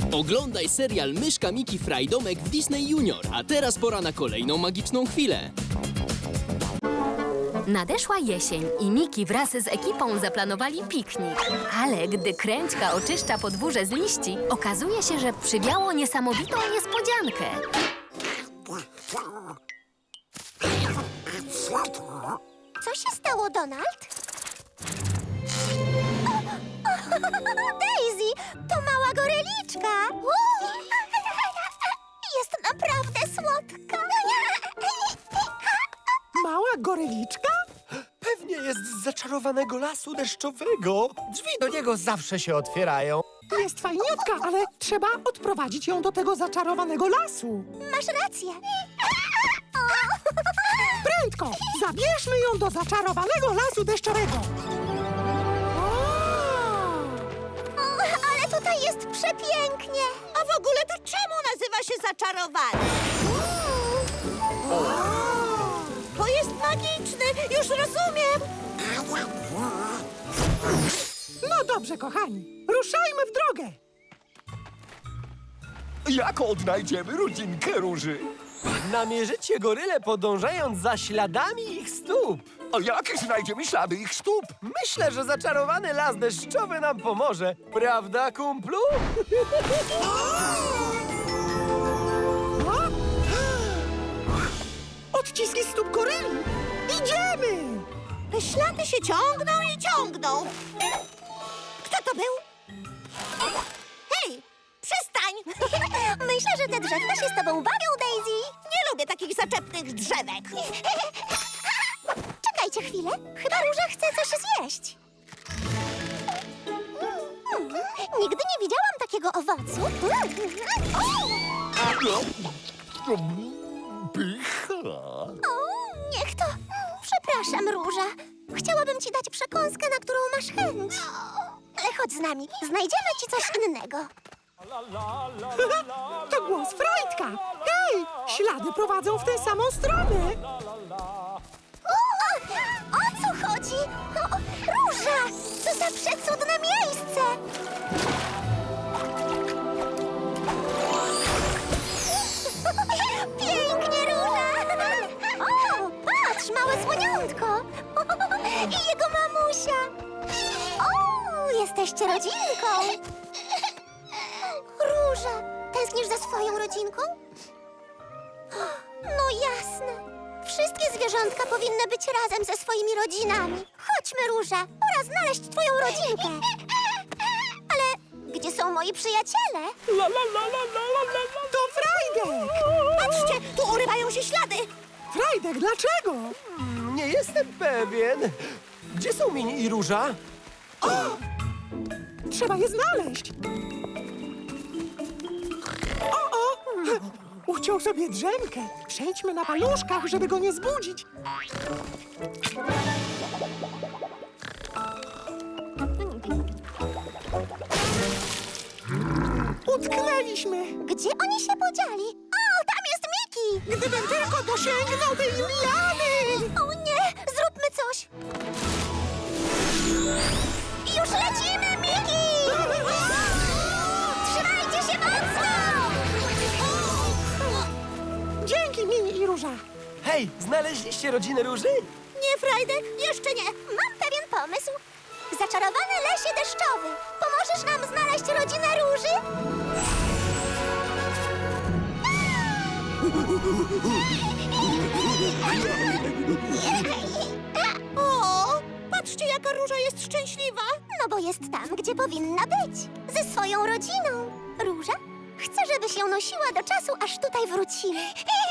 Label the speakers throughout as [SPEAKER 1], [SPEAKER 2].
[SPEAKER 1] Oglądaj serial Myszka Miki Frajdomek w Disney Junior. A teraz pora na kolejną magiczną chwilę.
[SPEAKER 2] Nadeszła jesień i Miki wraz z ekipą zaplanowali piknik. Ale gdy Kręćka oczyszcza podwórze z liści, okazuje się, że przywiało niesamowitą niespodziankę.
[SPEAKER 3] Co się stało, Donald? Daisy, to mała goryliczka. Jest naprawdę słodka.
[SPEAKER 4] Mała goryliczka? Pewnie jest z zaczarowanego lasu deszczowego. Drzwi do niego zawsze się otwierają.
[SPEAKER 5] Jest fajniutka, ale trzeba odprowadzić ją do tego zaczarowanego lasu.
[SPEAKER 3] Masz rację.
[SPEAKER 5] Prędko! Zabierzmy ją do zaczarowanego lasu deszczowego.
[SPEAKER 3] Ale tutaj jest przepięknie.
[SPEAKER 6] A w ogóle to czemu nazywa się zaczarowany? Bo jest magiczny, już rozumiem.
[SPEAKER 5] No dobrze, kochani, ruszajmy w drogę.
[SPEAKER 7] Jak odnajdziemy rodzinkę Róży?
[SPEAKER 4] Namierzycie goryle podążając za śladami ich stóp.
[SPEAKER 7] A jak znajdziemy ślady ich stóp?
[SPEAKER 4] Myślę, że zaczarowany las deszczowy nam pomoże. Prawda, kumplu?
[SPEAKER 5] Odciski stóp goryli. Idziemy!
[SPEAKER 6] Te ślady się ciągną i ciągną. Kto to był? Hej, przestań!
[SPEAKER 3] Myślę, że te drzewka się z tobą bawią, Daisy.
[SPEAKER 6] Nie lubię takich zaczepnych drzewek.
[SPEAKER 3] Czekajcie chwilę. Chyba Róża chce coś zjeść. Nigdy nie widziałam takiego owocu.
[SPEAKER 7] Pycha.
[SPEAKER 3] O, niech to. Przepraszam, Róża. Chciałabym ci dać przekąskę, na którą masz chęć. Ale chodź z nami. Znajdziemy ci coś innego.
[SPEAKER 5] To głos Frajtka. Hej, ślady prowadzą w tę samą stronę.
[SPEAKER 3] O co chodzi? Róża! Co za przecudne miejsce! Pięknie, Róża! O, patrz, małe słoniątko! I jego mamusia! O, jesteście rodzinką! Róża, tęsknisz za swoją rodzinką? No jasne. Wszystkie zwierzątka powinny być razem ze swoimi rodzinami. Chodźmy, Róża. Pora znaleźć twoją rodzinkę. Ale gdzie są moi przyjaciele?
[SPEAKER 5] To Frajdek!
[SPEAKER 6] Patrzcie, tu urywają się ślady.
[SPEAKER 5] Frajdek, dlaczego?
[SPEAKER 4] Nie jestem pewien. Gdzie są Mini i Róża?
[SPEAKER 5] Trzeba je znaleźć. O! Uciął sobie drzemkę. Przejdźmy na paluszkach, żeby go nie zbudzić. Utknęliśmy.
[SPEAKER 3] Gdzie oni się podzieli? O, tam jest Miki!
[SPEAKER 5] Gdybym tylko dosięgnął tej liany!
[SPEAKER 3] O nie, zróbmy coś. Już lecimy, Miki! Trzymajcie się mocno!
[SPEAKER 5] Dzięki, Mini i Róża.
[SPEAKER 4] Hej, znaleźliście rodzinę Róży?
[SPEAKER 3] Nie, Frajdek, jeszcze nie. Mam pewien pomysł. Zaczarowany lesie deszczowy. Pomożesz nam znaleźć rodzinę Róży?
[SPEAKER 6] O, patrzcie, jaka Róża jest szczęśliwa.
[SPEAKER 3] No bo jest tam, gdzie powinna być. Ze swoją rodziną. Róża, chcę, żebyś ją nosiła do czasu, aż tutaj wrócimy.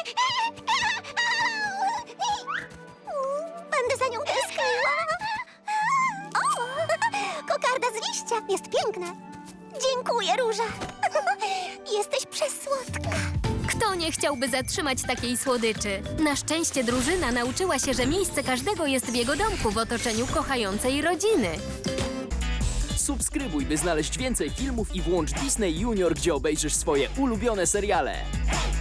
[SPEAKER 3] Będę za nią tęskniła. O, kokarda z liścia jest piękna. Dziękuję, Róża. Jesteś przesłodka.
[SPEAKER 2] Kto nie chciałby zatrzymać takiej słodyczy? Na szczęście drużyna nauczyła się, że miejsce każdego jest w jego domku w otoczeniu kochającej rodziny.
[SPEAKER 1] Subskrybuj, by znaleźć więcej filmów i włącz Disney Junior, gdzie obejrzysz swoje ulubione seriale.